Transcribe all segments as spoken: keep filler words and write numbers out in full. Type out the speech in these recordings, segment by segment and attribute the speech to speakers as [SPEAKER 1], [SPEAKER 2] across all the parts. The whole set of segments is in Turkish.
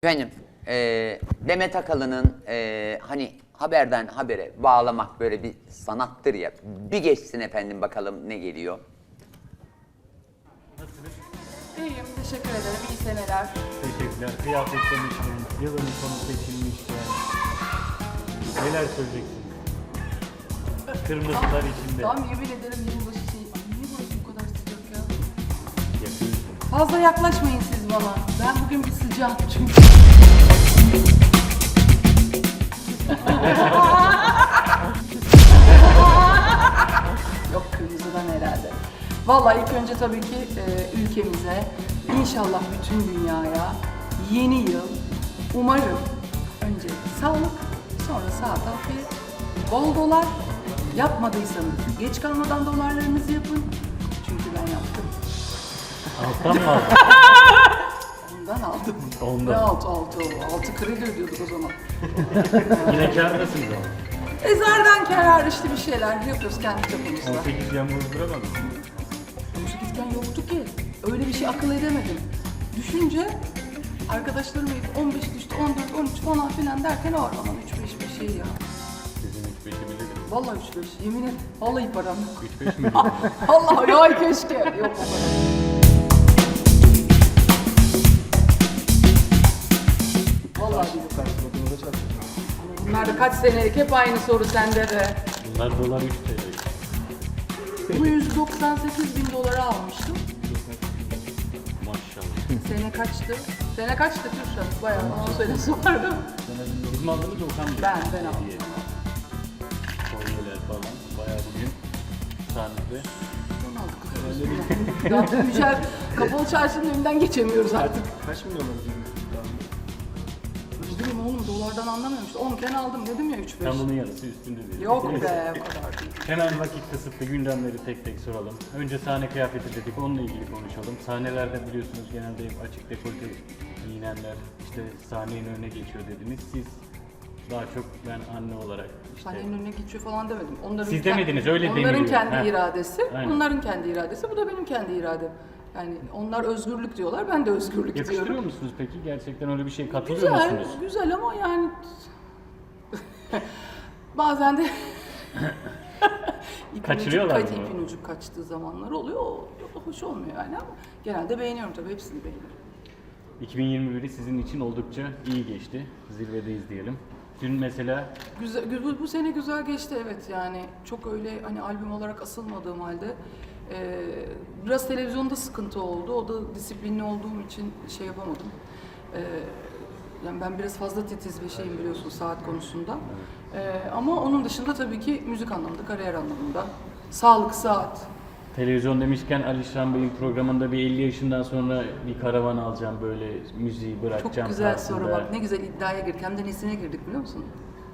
[SPEAKER 1] Efendim, e, Demet Akalın'ın e, hani haberden habere bağlamak böyle bir sanattır ya. Bir geçsin efendim bakalım ne geliyor.
[SPEAKER 2] Nasılsınız?
[SPEAKER 3] İyiyim, teşekkür ederim. İyi seneler.
[SPEAKER 2] Teşekkürler. Kıyafet demişken, yılın sonu seçilmişken neler söyleyeceksiniz? Kırmızılar içinde.
[SPEAKER 3] Tam yemin ederim yılbaşı şey. Ay, niye burası bu kadar sıcak ya?
[SPEAKER 2] Yakıyorsunuz.
[SPEAKER 3] Fazla yaklaşmayın siz bana. Ben bugün bir sıcağım çünkü. Yok, kırmızıdan herhalde. Vallahi ilk önce tabii ki e, ülkemize, inşallah bütün dünyaya yeni yıl, umarım önce sağlık, sonra saat afiyet, bol dolar. Yapmadıysanız geç kalmadan dolarlarınızı yapın. Çünkü ben yaptım.
[SPEAKER 2] Alttan mı aldın?
[SPEAKER 3] Ondan aldım.
[SPEAKER 2] Ondan.
[SPEAKER 3] Ne altı, altı, altı kredi ödüyorduk o zaman.
[SPEAKER 2] Yine kârdasınız ama.
[SPEAKER 3] Ezerden karar işte bir şeyler yapıyoruz kendi çapımızda.
[SPEAKER 2] on sekiz yan bozduramadın mı?
[SPEAKER 3] on sekizken yoktu ki. Öyle bir şey akıl edemedim. Düşünce arkadaşlarım hep on beş düştü, on dört, on üç falan filan derken o araman üç beş bir şey ya.
[SPEAKER 2] Sizin üç beşi bilirim.
[SPEAKER 3] Vallahi üç beş, yemin et. Vallahi param yok.
[SPEAKER 2] üç beş mi bilirim?
[SPEAKER 3] Allah ya keşke. Yok o kadar. Vallahi değil. Bunlar da kaç senelik hep aynı soru sende de.
[SPEAKER 2] Bunlar dolar üç T L.
[SPEAKER 3] Bu yüz doksan sekiz bin dolara almıştım.
[SPEAKER 2] Maşallah.
[SPEAKER 3] Sene kaçtı? Sene kaçtı Kürşat? Bayağı on sene sonra.
[SPEAKER 2] Siz mi aldınız Okan Bey?
[SPEAKER 3] Ben, ben aldım.
[SPEAKER 2] Hediye. Kolyeler falan. Bayağı bugün sahnede.
[SPEAKER 3] Onu aldık. Ya Yücel, kapalı çarşının önünden geçemiyoruz artık.
[SPEAKER 4] Kaç milyon ödedin?
[SPEAKER 3] Ne bileyim oğlum, dolardan anlamıyorum işte. onken aldım dedim ya üç beş.
[SPEAKER 2] Tam bunun yarısı üstünde değil.
[SPEAKER 3] Yok be, o kadar değil.
[SPEAKER 2] Hemen vakit kısıtlı gündemleri tek tek soralım. Önce sahne kıyafeti dedik, onunla ilgili konuşalım. Sahnelerde biliyorsunuz genelde hep açık dekolte giyinenler işte sahnenin önüne geçiyor dediniz. Siz daha çok ben anne olarak işte...
[SPEAKER 3] Sahnenin önüne geçiyor falan demedim. Onların
[SPEAKER 2] Siz
[SPEAKER 3] kend-
[SPEAKER 2] demediniz, öyle
[SPEAKER 3] Onların
[SPEAKER 2] deniliyor.
[SPEAKER 3] kendi
[SPEAKER 2] Ha.
[SPEAKER 3] iradesi,
[SPEAKER 2] Aynen.
[SPEAKER 3] onların kendi iradesi, bu da benim kendi iradem. Yani onlar özgürlük diyorlar, ben de özgürlük
[SPEAKER 2] Yakıştırıyor
[SPEAKER 3] diyorum.
[SPEAKER 2] musunuz peki? Gerçekten öyle bir şey katılıyor
[SPEAKER 3] Güzel,
[SPEAKER 2] musunuz?
[SPEAKER 3] güzel ama yani bazen de ipin
[SPEAKER 2] Kaçırıyorlar
[SPEAKER 3] ucu,
[SPEAKER 2] mı?
[SPEAKER 3] ipin ucu kaçtığı zamanlar oluyor. O o hoş olmuyor yani ama genelde beğeniyorum tabii, hepsini beğeniyorum.
[SPEAKER 2] iki bin yirmi biri sizin için oldukça iyi geçti. Zirvedeyiz diyelim. Dün mesela
[SPEAKER 3] Güzel, bu, bu sene güzel geçti evet, yani çok öyle hani albüm olarak asılmadığım halde e, biraz televizyonda sıkıntı oldu. O da disiplinli olduğum için şey yapamadım. E, yani ben biraz fazla titiz bir şeyim biliyorsun saat konusunda. E, ama onun dışında tabii ki müzik anlamında, kariyer anlamında, sağlık, saat.
[SPEAKER 2] televizyon demişken Alişan Bey'in programında bir elli yaşından sonra bir karavan alacağım böyle müziği bırakacağım.
[SPEAKER 3] Çok güzel
[SPEAKER 2] tarzında.
[SPEAKER 3] soru bak, ne güzel iddiaya girdik. Hem de nesine girdik biliyor musun?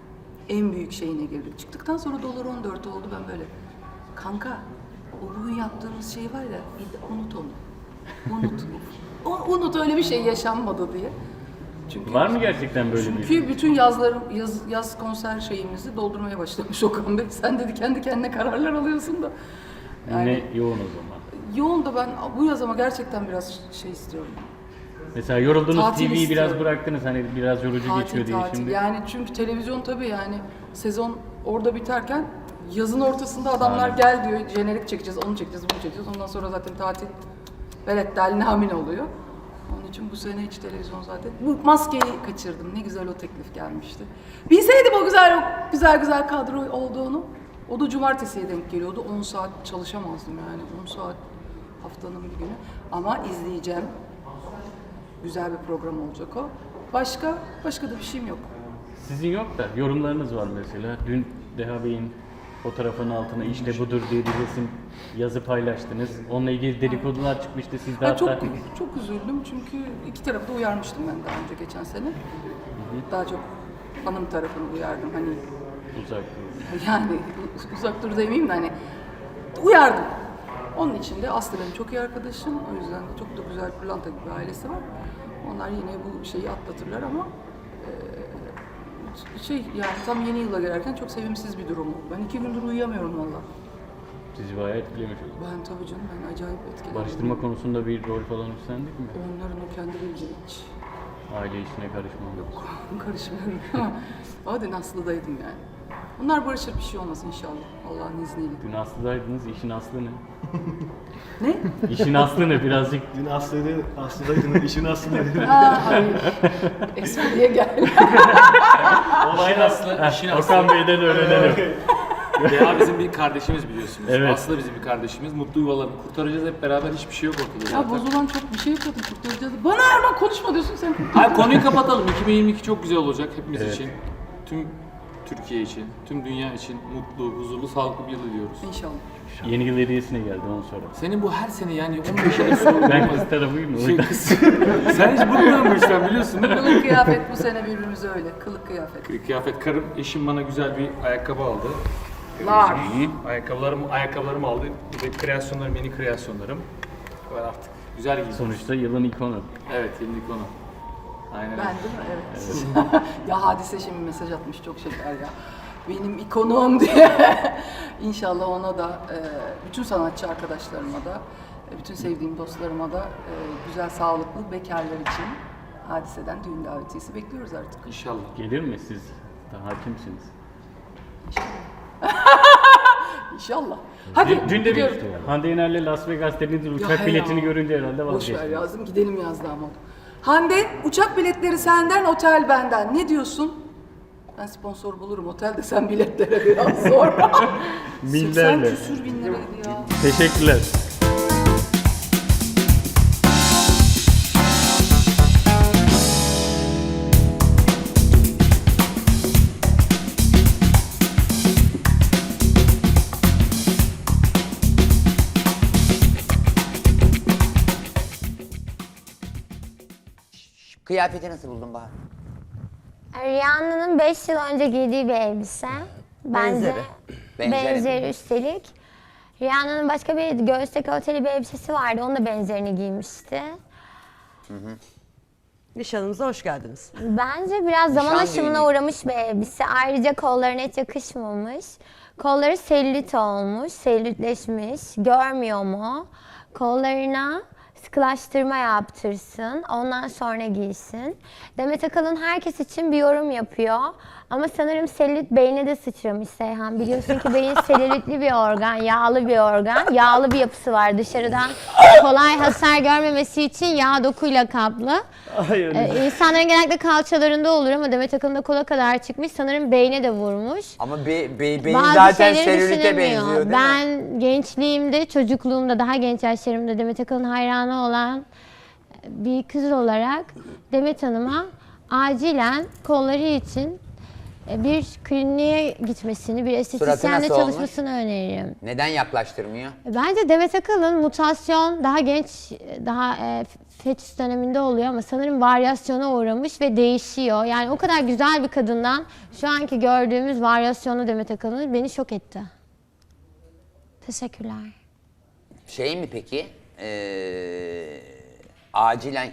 [SPEAKER 3] En büyük şeyine girdik. Çıktıktan sonra dolar on dört oldu, ben böyle. Kanka, o bugün yaptığımız şey var ya, id- unut onu. Unut. O- unut, öyle bir şey yaşanmadı diye. Çünkü,
[SPEAKER 2] Var mı gerçekten böyle bir?
[SPEAKER 3] Çünkü bütün yazlarım, yaz, yaz konser şeyimizi doldurmaya başlamış Okan Bey. Sen dedi kendi kendine kararlar alıyorsun da.
[SPEAKER 2] Yine yoğun o zaman.
[SPEAKER 3] Yoğun da ben bu yaz ama gerçekten biraz şey istiyorum.
[SPEAKER 2] Mesela yoruldunuz
[SPEAKER 3] Tatil
[SPEAKER 2] T V'yi biraz
[SPEAKER 3] istiyorum.
[SPEAKER 2] bıraktınız hani biraz yorucu
[SPEAKER 3] Tatil,
[SPEAKER 2] geçiyor diye
[SPEAKER 3] tatil.
[SPEAKER 2] şimdi.
[SPEAKER 3] Yani çünkü televizyon tabii yani sezon orada biterken yazın ortasında adamlar
[SPEAKER 2] Aynen.
[SPEAKER 3] gel diyor, jenerik çekeceğiz, onu çekeceğiz, bunu çekeceğiz. Ondan sonra zaten tatil velet dalinamin oluyor. Onun için bu sene hiç televizyon zaten. Bu maskeyi kaçırdım. Ne güzel o teklif gelmişti. Bilseydim o güzel o güzel güzel kadro olduğunu. O da cumartesiye denk geliyordu. on saat çalışamazdım yani. on saat haftanın bir günü. Ama izleyeceğim. Güzel bir program olacak o. Başka, başka da bir şeyim yok.
[SPEAKER 2] Sizin yok da yorumlarınız var mesela. Dün Deha Bey'in fotoğrafının altına işte budur diye bir resim yazı paylaştınız. Onunla ilgili dedikodular çıkmıştı. Siz de
[SPEAKER 3] Ha,
[SPEAKER 2] hatta...
[SPEAKER 3] çok çok üzüldüm çünkü iki tarafı da uyarmıştım ben daha önce geçen sene. Daha çok hanım tarafını uyardım hani,
[SPEAKER 2] Uzak durun.
[SPEAKER 3] yani uzak dur demeyeyim de hani uyardım. Onun için de Aslı benim çok iyi arkadaşım. O yüzden de çok da güzel pırlanta gibi bir ailesi var. Onlar yine bu şeyi atlatırlar ama e, şey yani tam yeni yıla girerken çok sevimsiz bir durum oldu. Ben iki gündür uyuyamıyorum valla.
[SPEAKER 2] Sizi bayağı etkilemiş oldu.
[SPEAKER 3] Ben tabii canım, ben acayip etkilendim.
[SPEAKER 2] Barıştırma konusunda bir rol falan üstlendik mi?
[SPEAKER 3] Onların o kendi bildiği hiç.
[SPEAKER 2] Aile işine karışmam.
[SPEAKER 3] Yok, karışmıyorum. Hadi Aslı'daydım yani. Onlar barışır, bir şey olmaz inşallah. Allah'ın izniyle.
[SPEAKER 2] Dün Aslı'daydınız, işin aslı ne?
[SPEAKER 3] Ne?
[SPEAKER 2] İşin aslı ne birazcık?
[SPEAKER 4] Dün Aslı'ydı, Aslı'daydın, işin Aslı dedi.
[SPEAKER 3] Aa, hayır. Espriye gel.
[SPEAKER 5] İşin aslı, işin aslı.
[SPEAKER 2] Okan Bey'den öğrenelim.
[SPEAKER 5] Deha bizim bir kardeşimiz biliyorsunuz.
[SPEAKER 2] Evet.
[SPEAKER 5] Aslı bizim bir kardeşimiz. Mutlu yuvalarını kurtaracağız hep beraber, hiçbir şey yok ortada
[SPEAKER 3] Ya
[SPEAKER 5] zaten.
[SPEAKER 3] bozulan çok bir şey yapıyordum, kurtaracağız. Bana Erman konuşma diyorsun sen.
[SPEAKER 5] Hayır, konuyu kapatalım. iki bin yirmi iki çok güzel olacak hepimiz
[SPEAKER 2] Evet.
[SPEAKER 5] için. Tüm Türkiye için, tüm dünya için mutlu, huzurlu, sağlıklı bir yıl diliyoruz.
[SPEAKER 3] İnşallah.
[SPEAKER 2] Yeni yıl hediyesine geldi onu sonra.
[SPEAKER 5] Senin bu her sene yani on beş yıllık sorun
[SPEAKER 2] Ben
[SPEAKER 5] olmaz.
[SPEAKER 2] kız tarafıyım o
[SPEAKER 5] Şey,
[SPEAKER 2] yüzden.
[SPEAKER 5] kız- Sen hiç bıkmadın bu işten biliyorsun değil mi?
[SPEAKER 3] Kılık kıyafet bu sene birbirimize öyle. Kılık kıyafet.
[SPEAKER 5] Kıyafet, karım, eşim bana güzel bir ayakkabı aldı.
[SPEAKER 3] Lar.
[SPEAKER 5] Ayakkabılarım, ayakkabılarımı aldı. Bir de kreasyonlarım, yeni kreasyonlarım. Var artık. Güzel giydim.
[SPEAKER 2] Sonuçta yılın ikonu.
[SPEAKER 5] Evet, yeni konu. Aynen
[SPEAKER 3] Ben
[SPEAKER 5] öyle.
[SPEAKER 3] değil mi? Evet. Ya Hadise şimdi mesaj atmış, çok şeker ya. Benim ikonum diye. İnşallah ona da, e, bütün sanatçı arkadaşlarıma da, e, bütün sevdiğim dostlarıma da e, güzel, sağlıklı bekarlar için Hadise'den düğün davetiyesi bekliyoruz artık.
[SPEAKER 5] İnşallah.
[SPEAKER 2] Gelir mi siz? Daha hakimsiniz.
[SPEAKER 3] İnşallah. Hadi
[SPEAKER 2] Dün, dün de
[SPEAKER 3] gidiyorum.
[SPEAKER 2] bir Hande Yener'le Las Vegas dediğiniz
[SPEAKER 3] Ya
[SPEAKER 2] uçak
[SPEAKER 3] he
[SPEAKER 2] biletini
[SPEAKER 3] ya.
[SPEAKER 2] görünce herhalde
[SPEAKER 3] Boş ver
[SPEAKER 2] vazgeçtiniz.
[SPEAKER 3] yazdım, gidelim yazdı ama. Hande, uçak biletleri senden, otel benden. Ne diyorsun? Ben sponsor bulurum, otel de sen biletlere biraz sonra. seksen
[SPEAKER 2] Binlerle.
[SPEAKER 3] küsür bin liraydı ya.
[SPEAKER 2] Teşekkürler.
[SPEAKER 1] Kıyafeti nasıl buldun Bahar?
[SPEAKER 6] Rihanna'nın beş yıl önce giydiği bir elbise. Bence
[SPEAKER 1] Benzeri. Benzeri.
[SPEAKER 6] benzeri üstelik. Rihanna'nın başka bir göğüs dekolteli bir elbisesi vardı. Onun da benzerini giymişti.
[SPEAKER 7] Nişanımıza hoş geldiniz.
[SPEAKER 6] Bence biraz zaman
[SPEAKER 1] Nişan
[SPEAKER 6] aşımına
[SPEAKER 1] düğünü.
[SPEAKER 6] uğramış bir elbise. Ayrıca kollarına hiç yakışmamış. Kolları selülit olmuş, selülitleşmiş. Görmüyor mu? Kollarına sıkılaştırma yaptırsın. Ondan sonra giysin. Demet Akalın herkes için bir yorum yapıyor. Ama sanırım selülit beyne de sıçramış Seyhan. Biliyorsun ki beyin selülitli bir organ, yağlı bir organ. Yağlı bir yapısı var dışarıdan. Kolay hasar görmemesi için yağ dokuyla kaplı.
[SPEAKER 2] Hayır.
[SPEAKER 6] Ee, insanların genellikle kalçalarında olur ama Demet Akalın da kola kadar çıkmış. Sanırım beyne de vurmuş.
[SPEAKER 1] Ama be, be, beyin
[SPEAKER 6] Bazı
[SPEAKER 1] zaten
[SPEAKER 6] şeyleri
[SPEAKER 1] selülite
[SPEAKER 6] düşünemiyor.
[SPEAKER 1] benziyor değil mi?
[SPEAKER 6] Ben gençliğimde, çocukluğumda, daha genç yaşlarımda Demet Akalın hayranı olan bir kız olarak Demet Hanım'a acilen kolları için bir kliniğe gitmesini, bir estetisyenle
[SPEAKER 1] nasıl olmuş?
[SPEAKER 6] çalışmasını öneririm.
[SPEAKER 1] Neden yaklaştırmıyor?
[SPEAKER 6] Bence Demet Akalın mutasyon daha genç, daha e, fetüs döneminde oluyor ama sanırım varyasyona uğramış ve değişiyor. Yani o kadar güzel bir kadından şu anki gördüğümüz varyasyonu Demet Akalın beni şok etti. Teşekkürler.
[SPEAKER 1] Şey mi peki? Ee, acilen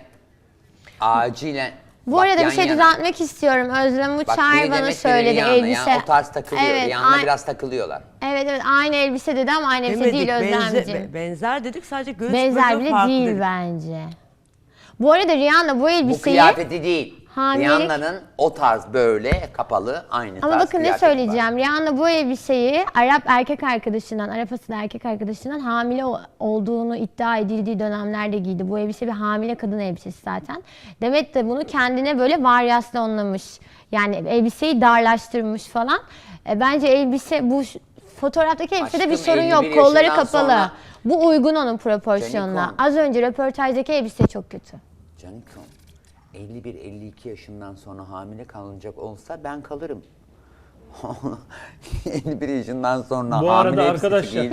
[SPEAKER 1] acilen
[SPEAKER 6] Bu
[SPEAKER 1] Bak
[SPEAKER 6] arada
[SPEAKER 1] yan
[SPEAKER 6] bir şey
[SPEAKER 1] yana.
[SPEAKER 6] düzeltmek istiyorum. Özlem
[SPEAKER 1] Bak
[SPEAKER 6] Uçar
[SPEAKER 1] biri
[SPEAKER 6] bana
[SPEAKER 1] Demet, biri
[SPEAKER 6] söyledi
[SPEAKER 1] Rihanna.
[SPEAKER 6] elbise.
[SPEAKER 1] Yani o tarz takılıyor.
[SPEAKER 6] Evet,
[SPEAKER 1] Rihanna
[SPEAKER 6] ay-
[SPEAKER 1] biraz takılıyorlar.
[SPEAKER 6] Evet evet aynı elbise dedi ama aynı elbise değil
[SPEAKER 7] benze-
[SPEAKER 6] Özlemciğim.
[SPEAKER 7] benzer dedik, sadece göğüs
[SPEAKER 6] Benzer
[SPEAKER 7] bölümü
[SPEAKER 6] bile
[SPEAKER 7] farklı
[SPEAKER 6] değil
[SPEAKER 7] dedik.
[SPEAKER 6] bence. Bu arada Rihanna bu
[SPEAKER 1] Bu
[SPEAKER 6] elbiseyi...
[SPEAKER 1] kıyafeti değil.
[SPEAKER 6] hamilelik-
[SPEAKER 1] Rihanna'nın o tarz böyle kapalı aynı
[SPEAKER 6] Ama
[SPEAKER 1] tarz
[SPEAKER 6] bakın ne
[SPEAKER 1] kıyafeti var.
[SPEAKER 6] söyleyeceğim. Rihanna bu elbiseyi Arap erkek arkadaşından, Arap asıllı erkek arkadaşından hamile o- olduğunu iddia edildiği dönemlerde giydi. Bu elbise bir hamile kadın elbisesi zaten. Demet de bunu kendine böyle varyasyonlamış. Yani elbiseyi darlaştırmış falan. E, bence elbise bu ş- fotoğraftaki elbisede bir
[SPEAKER 1] Aşkım,
[SPEAKER 6] sorun
[SPEAKER 1] elli
[SPEAKER 6] yok.
[SPEAKER 1] bir
[SPEAKER 6] Kolları
[SPEAKER 1] yaşından
[SPEAKER 6] kapalı.
[SPEAKER 1] sonra-
[SPEAKER 6] Bu uygun onun proporsiyonuna.
[SPEAKER 1] Canikom.
[SPEAKER 6] Az önce röportajdaki elbise çok kötü.
[SPEAKER 1] Canikom, elli bir elli iki yaşından sonra hamile kalınacak olsa ben kalırım. elli bir yaşından sonra
[SPEAKER 2] Bu
[SPEAKER 1] hamile
[SPEAKER 2] arada
[SPEAKER 1] elbisesi
[SPEAKER 2] arkadaşlar-
[SPEAKER 1] giy-